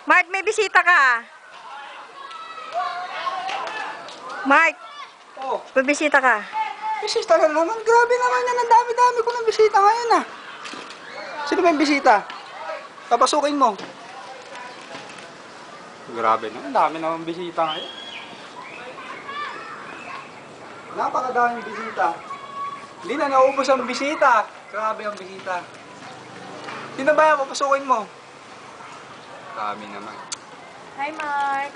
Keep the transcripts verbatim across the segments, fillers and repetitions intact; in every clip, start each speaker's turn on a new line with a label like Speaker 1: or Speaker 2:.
Speaker 1: Mark, may bisita ka. Mark,
Speaker 2: Oh,
Speaker 1: may bisita ka.
Speaker 2: bisita na naman. Grabe naman yan. Ang dami-dami ko ng bisita ngayon ah. Sino ba yung bisita? Papasukin mo. Grabe na. Ang dami naman bisita ngayon. Napakadaming bisita. Hindi na naubos ang bisita. Grabe ang bisita. Sino ba yan? Papasukin mo. Grabe naman.
Speaker 1: Hi, Mark.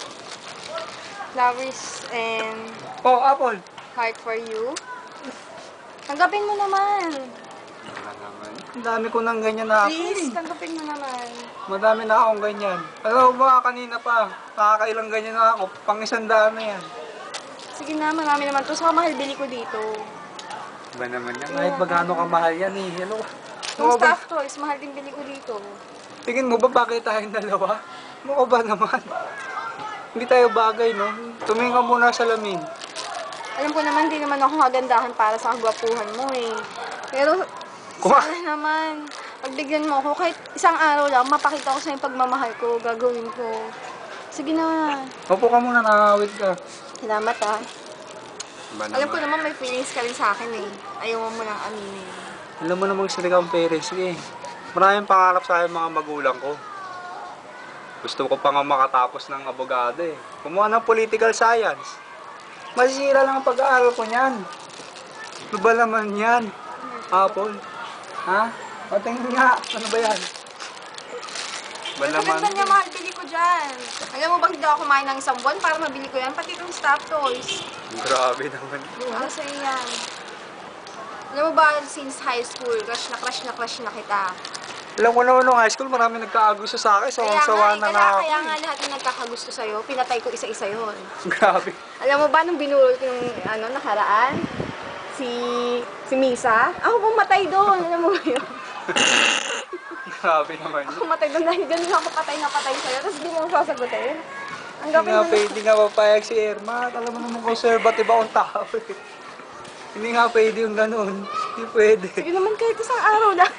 Speaker 1: Flowers and
Speaker 2: Oh, Apple.
Speaker 1: heart for you. Tanggapin mo naman.
Speaker 2: Wala naman. Ang dami ko ng ganyan na ako.
Speaker 1: Please, tanggapin mo naman.
Speaker 2: Madami na akong ganyan. Alam mo ba, kanina pa, nakakailang ganyan na ako. Pang isang daan na yan.
Speaker 1: Sige na, marami naman to. Saka mahal bili ko dito.
Speaker 2: Ba naman yan? Kahit magkano ka mahal yan eh. Ano?
Speaker 1: Yung
Speaker 2: Ano ba?
Speaker 1: staff toys, mahal din bili ko dito.
Speaker 2: Tingin mo ba bagay tayong dalawa? Ano ba naman? Hindi tayo bagay, no? Tumingin ka muna sa lamin.
Speaker 1: Alam ko naman, di naman ako kagandahan para sa kagwapuhan mo eh. Pero,
Speaker 2: Kuma-
Speaker 1: sana naman, pagbigyan mo ako, kahit isang araw lang, mapakita ko sa yung pagmamahal ko, gagawin ko. Sige na.
Speaker 2: Opo ka muna, nakakawit ka.
Speaker 1: Salamat ah.
Speaker 2: Ba
Speaker 1: Alam ko
Speaker 2: naman?
Speaker 1: naman may feelings ka rin sa akin eh. Ayaw mo nang aminin.
Speaker 2: Alam mo namang sila kang parents. Sige. Maraming pangarap sa akin mga magulang ko. Gusto ko pa nga makatapos ng abogado eh. Kumuha ng political science. Masisira lang ang pag-aaral ko niyan. Ano ba naman yan? Apple? Ha? Patingin nga. Ano ba yan? Ba
Speaker 1: Ang
Speaker 2: naman?
Speaker 1: ganda niya, mahal bili ko dyan. Alam mo bang hindi ako kumain ng isang buwan para mabili ko yan? Pati itong staff toys.
Speaker 2: Grabe naman.
Speaker 1: Para sa yan. Alam mo ba, since high school, crush na crush na crush na kita.
Speaker 2: Alam ko naman nung high school, marami nagkaagusto sa akin. So,
Speaker 1: Kaya nga,
Speaker 2: sawa
Speaker 1: eh,
Speaker 2: na
Speaker 1: kaya,
Speaker 2: nga ako.
Speaker 1: kaya nga lahat ng nagkakagusto sa'yo, pinatay ko isa-isa yun.
Speaker 2: Grabe.
Speaker 1: Alam mo ba, nung binulot ko yung ano, nakaraan, si si Misa, ako pumatay doon. Alam mo ba yun?
Speaker 2: Grabe naman.
Speaker 1: Ako pumatay doon dahil ganun ako patay na patay sa'yo, tapos di mo ako sasagutin. Ang
Speaker 2: Hindi
Speaker 1: gapin
Speaker 2: nga
Speaker 1: mo
Speaker 2: pwede, hindi nga papayag si Irma. Alam mo naman conservative akong tao eh. Hindi nga pwede yung ganun. Hindi pwede.
Speaker 1: Sige naman kahit isang araw lang.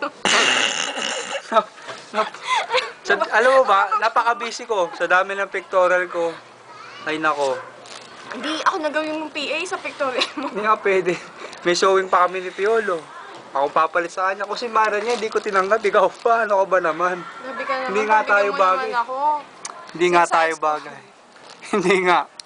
Speaker 2: Nap, nap, sa, alam mo ba, napaka-busy ko sa dami ng pictorial ko. Ay nako,
Speaker 1: Hindi ako nagawin mong P A sa pictorial mo.
Speaker 2: hindi nga pwede. May showing pa kami ni Piolo. Ako papalit sa kanya. Kung si Mara niya, hindi ko tinanggap. Ikaw pa, ano ka ba naman?
Speaker 1: Grabe ka naman.
Speaker 2: Hindi nga
Speaker 1: pagbigyan
Speaker 2: tayo
Speaker 1: mo
Speaker 2: bagay.
Speaker 1: naman ako.
Speaker 2: Hindi nga
Speaker 1: Sa
Speaker 2: tayo
Speaker 1: size ko.
Speaker 2: bagay. Hindi nga.